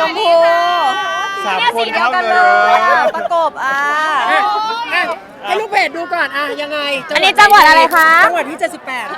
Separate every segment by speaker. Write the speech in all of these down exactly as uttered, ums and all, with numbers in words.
Speaker 1: มพู
Speaker 2: สาม
Speaker 1: เนี่ย
Speaker 2: ค
Speaker 1: สี
Speaker 2: น
Speaker 1: เดียว
Speaker 2: เข้า
Speaker 1: กัน
Speaker 2: เล
Speaker 1: เลย
Speaker 2: ย
Speaker 1: ประกบอ่ะ
Speaker 3: อ่ะอ่ะให้ลูกเพจดูก่อนอ่ะยังไง
Speaker 1: อันนี้จังหวัดอะไรคะ
Speaker 3: จังหวัดที่เจ็ดสิบแปด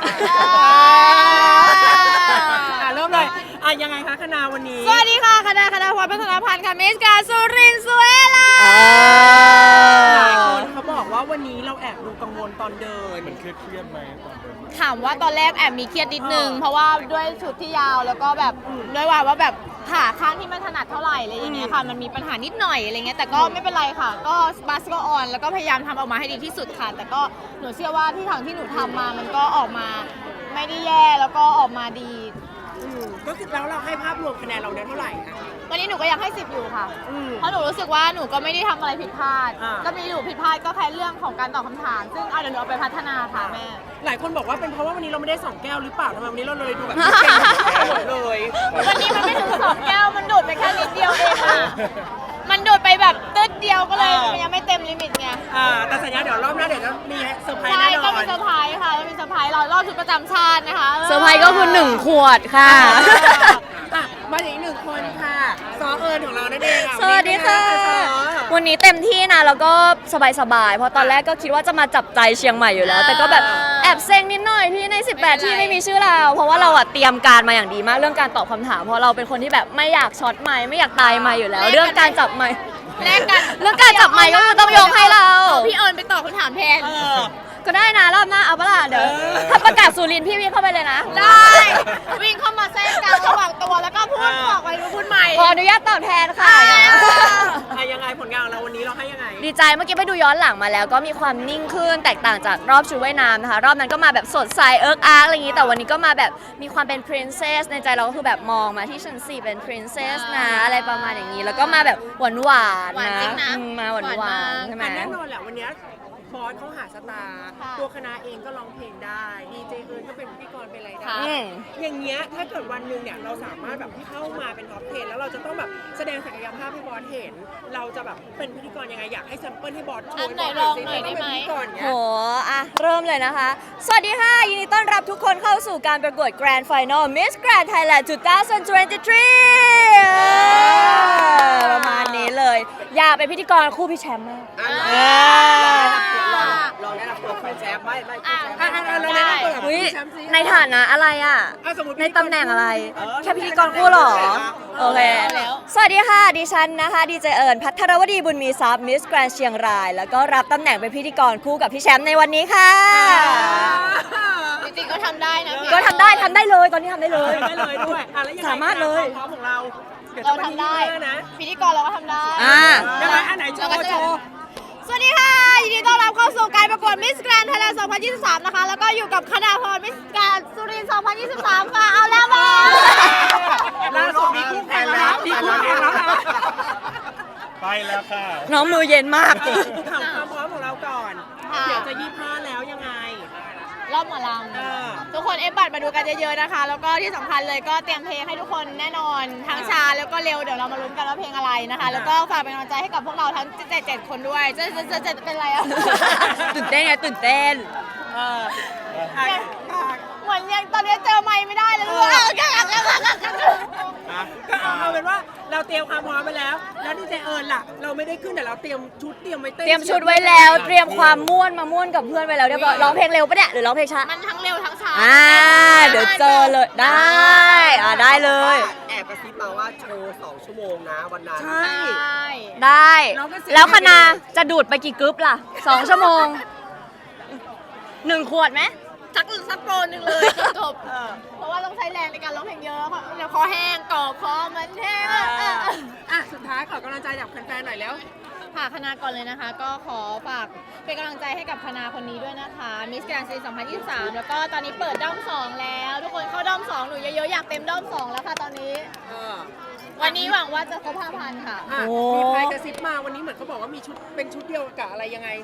Speaker 3: อ่ะเริ่มเลยอ่ะยังไงคะคณาวันนี้
Speaker 4: สวัสดีค่ะคณะคณะพรพัฒนพันธ์ค่ะมิสการสุรินทร์สุเอลา
Speaker 3: หลายคนเขาบอกว่าวันนี้เราแอบดูกังวลตอนเดิน
Speaker 2: มันเครียดๆไหมตอนเดิน
Speaker 4: ถามว่าตอนแรกแอบมีเครียดนิดนึง
Speaker 3: อ่า
Speaker 4: เพราะว่าด้วยชุดที่ยาวแล้วก็แบบด้วยว่าว่าแบบขาข้างที่ไม่ถนัดเท่าไหร่อะไรอย่างเงี้ยค่ะมันมีปัญหานิดหน่อยอะไรเงี้ยแต่ก็ไม่เป็นไรค่ะ ก็บัสก็ออนแล้วก็พยายามทำออกมาให้ดีที่สุดค่ะ แต่ก็หนูเชื่อว่าที่ทางที่หนูทำมามันก็ออกมาไม่ได้แย่แล้วก็ออกมาดี
Speaker 3: อืมก็คือแล้วเราให้ภาพรวมคะแนนเราได้เท่าไหร่คะ
Speaker 4: วันนี้หนูก็ยังให้สิบอยู่ค่ะ
Speaker 3: อืม
Speaker 4: เพราะหนูรู้สึกว่าหนูก็ไม่ได้ทำอะไรผิดพลาด
Speaker 3: อ่า
Speaker 4: ก็มีอยู่ผิดพลาดก็แค่เรื่องของการตอบคำถาม ซึ่งเอาเดี๋ยวหนูเอาไปพัฒนาค่ะแม่
Speaker 3: หลายคนบอกว่าเป็นเพราะว่าวันนี้เราไม่ได้สองแก้วหรือเปล่าทำไมวันนี้เราเลยดูแบบเก่งหมดเลย
Speaker 4: วันนี้มันไม่ถึงสองแก้ว มันดูดไปแค่นิดเดียวเองค่ะ มันดูดไปแบบตึ๊ดเดียวก็เลย
Speaker 3: อ่ามั
Speaker 4: มันยังไม่เต็มลิมิตไง
Speaker 3: อ่าแต่สัญญาเดี๋ยวรอบหน้าเดี๋ยวจะมีเซอร์ไพรส์
Speaker 4: ใช่
Speaker 3: แน่น
Speaker 4: ก็
Speaker 3: อน
Speaker 4: มีเซอร์ไพรส์ค่ะแล้วมีเซอร์ไพรส์รอรอบชุดประจำชาตินะคะ
Speaker 1: เซอร์ไพรส์ก็คือหนึ่งขวดค่ะ
Speaker 3: อ่ะมาอีกหนึ่งคนค่ะซอเอิญของเรานั่นเองอ่ะ
Speaker 1: สวัสดีค่ะ
Speaker 3: วั
Speaker 1: วัน นนี้เต็มที่นะแล้วก็สบายๆ เพราะตอนแรกก็คิดว่าจะมาจับใจเชียงใหม่อยู่แล้ว แต่ก็แบบแอบเซ็งนิดหน่อยที่ใน สิบแปด ที่ไม่มีชื่อเรา เพราะว่าเราอะเตรียมการมาอย่างดีมากเรื่องการตอบคำถาม เพราะเราเป็นคนที่แบบไม่อยากช็อตไมค์ไม่อยากตายไมค์อยู่แล้ว เรื่องการจับไมค์
Speaker 4: แลกกัน
Speaker 1: เรื่องการจับไมค์ก็คือต้องยกให้เรา
Speaker 4: เอาพี่เอิญไปตอบคำถามแทน
Speaker 3: เออ
Speaker 1: ก็ได้นะรอบหน้าเอาปะล่ะเดี๋ยว
Speaker 3: เออ
Speaker 1: ถ้าประกาศสุรินทร์พี่วิ่งเข้าไปเลยนะ
Speaker 4: ได้ วิ่งเข้ามาแทรกกลางระหว่างตัวแล้วก็พูดบอกไปพูดใหม่
Speaker 1: ขออนุญาตตอบแทนค่ะ
Speaker 3: อ่ะยังไงผลงานของเราวันนี้เราให้ยังไง
Speaker 1: ดีใจเมื่อกี้ไปดูย้อนหลังมาแล้วก็มีความนิ่งขึ้นแตกต่างจากรอบชุดว่ายน้ำนะคะ รอบนั้นก็มาแบบสดใสเอิร์กอาร์กอะไรอย่างนี้ แต่วันนี้ก็มาแบบมีความเป็น princess ในใจเราก็คือแบบมองมาที่ชั้นสี่เป็น princess นะอะไรประมาณอย่างนี้ แล้วก็มาแบบหวานหวาน
Speaker 4: หวาน
Speaker 1: นะ
Speaker 4: จริงนะ
Speaker 1: อืมมาหวานหวานใช่ไหม
Speaker 3: อ่ะแน่นอนแหละวันเนี้ยบอสเขาหาสตาร์
Speaker 4: ค่ะ
Speaker 3: ตัวคณะเองก็ร้องเพลงได้ดีเจเอิญก็เป็นพิธีกรเป็นอะไรได้
Speaker 4: ค่ะ
Speaker 1: อืม
Speaker 3: อย่างเงี้ยถ้าเกิดวันหนึ่งเนี่ยเราสามารถแบบเข้ามาเป็นท็อปเทนแล้วเราจะต้องแบบแสดงศักยภาพให้บอสเห็น เราจะแบบเป็นพิธีกรยังไงอยากให้แซมเปิลให้บอสช่วย
Speaker 4: อันไหน
Speaker 3: บก
Speaker 4: ลอง
Speaker 3: สิ
Speaker 4: หน่อยได้ไหม
Speaker 3: เราต้องเป็นพิธีกรเงี้
Speaker 1: โห
Speaker 3: ย
Speaker 1: อ่ะ เริ่มเลยนะคะ สวัสดีค่ะ ยินดีต้อนรับทุกคนเข้าสู่การประกวด Grand Final Miss Grand Thailand สองพันยี่สิบสามเออประมาณนี้เลย อยากเป็นพิธีกรคู่พี่แชมป์มาก
Speaker 3: อ่ะ
Speaker 1: เออ
Speaker 3: ลองแนะนำตัวแฟนแชมป์ไม่ไม่
Speaker 4: อ่ะ
Speaker 3: อ่ะอ่ะอ่ะเราแนะนำตัวกับ
Speaker 1: อุ๊ย
Speaker 3: พี่แชมป์สิ
Speaker 1: ในฐานะอะไรอ่ะ
Speaker 3: อ่ะสมมุติ
Speaker 1: ในตำแหน่งอะไร
Speaker 3: เออ
Speaker 1: แค่พิธีกรคู่เหรอ โอเค
Speaker 4: แล้ว
Speaker 1: สวัสดีค่ะ ดิฉันนะคะ ดีเจเอิญพัทรวดีบุญมีทรัพย์มิสแกรนเชียงราย แล้วก็รับตำแหน่งเป็นพิธีกรคู่กับพี่แชมป์ในวันนี้ค่ะ
Speaker 4: จริงๆก็ทำได้นะพี่
Speaker 1: ก็ทำได้ทำได้เลย ตอนนี้ทำได้เลย
Speaker 3: ได้เลยด้วยอ่ะแล้วยังไง
Speaker 1: สามารถเลย
Speaker 3: ควพร้อมของเราเดี๋ยว
Speaker 4: เรา
Speaker 3: จะมา
Speaker 4: ทำได้
Speaker 3: ที่หน้านะ
Speaker 4: พิธีกรเราก็ทำได้
Speaker 1: อ่า
Speaker 3: ยังไงอันไหนโชว์โชว์
Speaker 4: สวัสดีค่ะ ยินดีต้อนรับเข้าสู่การประกวดมิสแกรนด์ไทยแลนด์สองพันยี่สิบสามนะคะ แล้วก็อยู่กับคณาพรมิสแกรนด์สุรินทร์สองพันยี่สิบสามค่ะ เอาแล้วมา
Speaker 3: ล่าสุดมีคู่แข่งแล้วมีคู่แข่งแล้วนะ
Speaker 2: ไปแล้วค่ะ
Speaker 1: น้องมือเย็นมาก
Speaker 3: ถามความพร้อมของเราก่อน
Speaker 4: ค่ะ
Speaker 3: เดี๋ยวจะยี่ห้าแล้วยังไง
Speaker 4: รอบหมอล
Speaker 3: เออ
Speaker 4: ำทุกคนเอฟบัตรมาดูกันเยอะๆนะคะ แล้วก็ที่สำคัญเลยก็เตรียมเพลงให้ทุกคนแน่นอน ทั้งช้าแล้วก็เร็ว เดี๋ยวเรามาลุ้นกันว่าเพลงอะไรนะคะ แล้วก็ฝากเป็นกำลังใจให้กับพวกเราทั้งเจ็ดเจ็ดคนด้วยเจ็ดเจ็ดเจ็ดเจ็ดเป็นไรอ่ะ
Speaker 1: ตื่นเต้นไงตื่นเต้น
Speaker 3: เอออ่ะอ่ะ
Speaker 4: เหมือนยังตอนนี้เจอไม่ไม่ได้เลย
Speaker 3: เอ
Speaker 4: เอ
Speaker 3: อ
Speaker 4: อก็อยากแล้ว
Speaker 3: ก็เอาเอาเป็นว่าเราเตรียมความพร้อมไปแล้ว แล้วดีเจเอิญล่ะ เราไม่ได้ขึ้นแต่เราเตรียมชุดเตรียมไว้เต้น
Speaker 1: เตรียมชุดไว้แล้ว เตรียมความม่วนมาม่วนกับเพื่อนไว้แล้วเรียบร้อยร้องเพลงเร็วปะเนี่ยหรือร้องเพลงช้า
Speaker 4: มันทั้งเร็วทั้งช้า
Speaker 1: อ่า เดี๋ยวเจอเลย ได้ อ่าได้เลย
Speaker 5: แอบกระซิบมาว่าโชว์สองชั่วโมงนะวันนั้น
Speaker 3: ใช่
Speaker 4: ใช่
Speaker 1: ได้
Speaker 3: เราก็เสีย
Speaker 1: แล้วคณะจะดูดไปกี่กึ๊บล่ะสองชั่วโมงหนึ่งขวดไหม
Speaker 4: สักสักโปรหนึ่งเลยจบ
Speaker 3: เออ
Speaker 4: เพราะว่าต้องใช้แรงในการร้องเพลงเยอะเพราะเดี๋ยวคอแห้งกรอบคอมันแห้ง
Speaker 3: อ่ะ
Speaker 4: เออเออ
Speaker 3: อ่ะสุดท้ายขอกำลังใจจากแฟนๆหน่อยแล้ว
Speaker 4: ค่ะคณะก่อนเลยนะคะ ก็ขอฝากเป็นกำลังใจให้กับคณะคนนี้ด้วยนะคะมิสแกรนด์ซีสองพันยี่สิบสามแล้วก็ตอนนี้เปิดด้อมสองแล้ว ทุกคนเข้าด้อมสองหนูเยอะๆอยากเต็มด้อมสองแล้วค่ะตอนนี้
Speaker 3: เออ
Speaker 4: วันนี้หวังว่าจะครบห้าพันค่ะ
Speaker 3: อ่ะ
Speaker 1: โอ้
Speaker 3: มีใครกระซิบมาวันนี้เหมือนเขาบอกว่ามีชุดเป็นชุดเดียวกับอะไรยังไง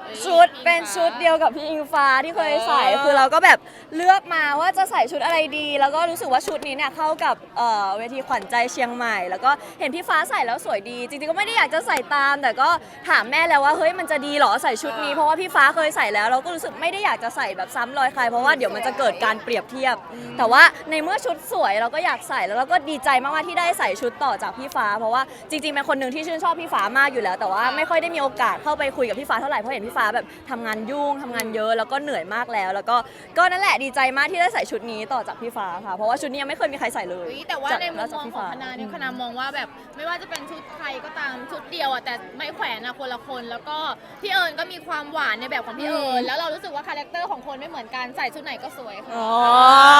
Speaker 1: ชุดเป็นชุดเดียวกับพี่อิงฟ้าที่เคยใส่คือเราก็แบบเลือกมาว่าจะใส่ชุดอะไรดี แล้วก็รู้สึกว่าชุดนี้เนี่ยเข้ากับเอ่อเวทีขวัญใจเชียงใหม่ แล้วก็เห็นพี่ฟ้าใส่แล้วสวยดี จริงๆก็ไม่ได้อยากจะใส่ตาม แต่ก็ถามแม่แล้วว่าเฮ้ยมันจะดีเหรอใส่ชุดนี้เพราะว่าพี่ฟ้าเคยใส่แล้วเราก็รู้สึกไม่ได้อยากจะใส่แบบซ้ำรอยใครเพราะว่าเดี๋ยวมันจะเกิดการเปรียบเทียบ แต่ว่าในเมื่อชุดสวยเราก็อยากใส่แล้วเราก็ดีใจมากๆที่ได้ใส่ชุดต่อจากพี่ฟ้า เพราะว่าจริงๆเป็นคนหนึ่งที่ชื่นชอบพี่ฟ้ามากอยู่แล้ว แต่ว่าไม่ค่อยได้มีโอกาสเข้าไปคุยกับพี่ฟ้าเท่าไหร่เพราะเห็นพี่ฟ้าแบบทำงานยุ่งทำงานเยอะแล้วก็เหนื่อยมากแล้ว แล้วก็ก็นั่นแหละดีใจมากที่ได้ใส่ชุดนี้ต่อจากพี่ฟ้าค่ะเพราะว่าชุดนี้ยังไม่เคยมีใครใส่เลย
Speaker 4: อุ๊ยแต่ว่าในมุมมอง
Speaker 1: จาก
Speaker 4: ของคณะเนี่ยคณะมองว่าแบบไม่ว่าจะเป็นชุดใครก็ตามชุดเดียวอ่ะแต่ไม่แขวนอะคนละคน แล้วก็พี่เอิญก็มีความหวานในแบบของพี่เอิญแล้วเรารู้สึกว่าคาแรคเตอร์ของคนไม่เหมือนกันใส่ชุดไหนก็สวยค่ะ
Speaker 1: อ๋อ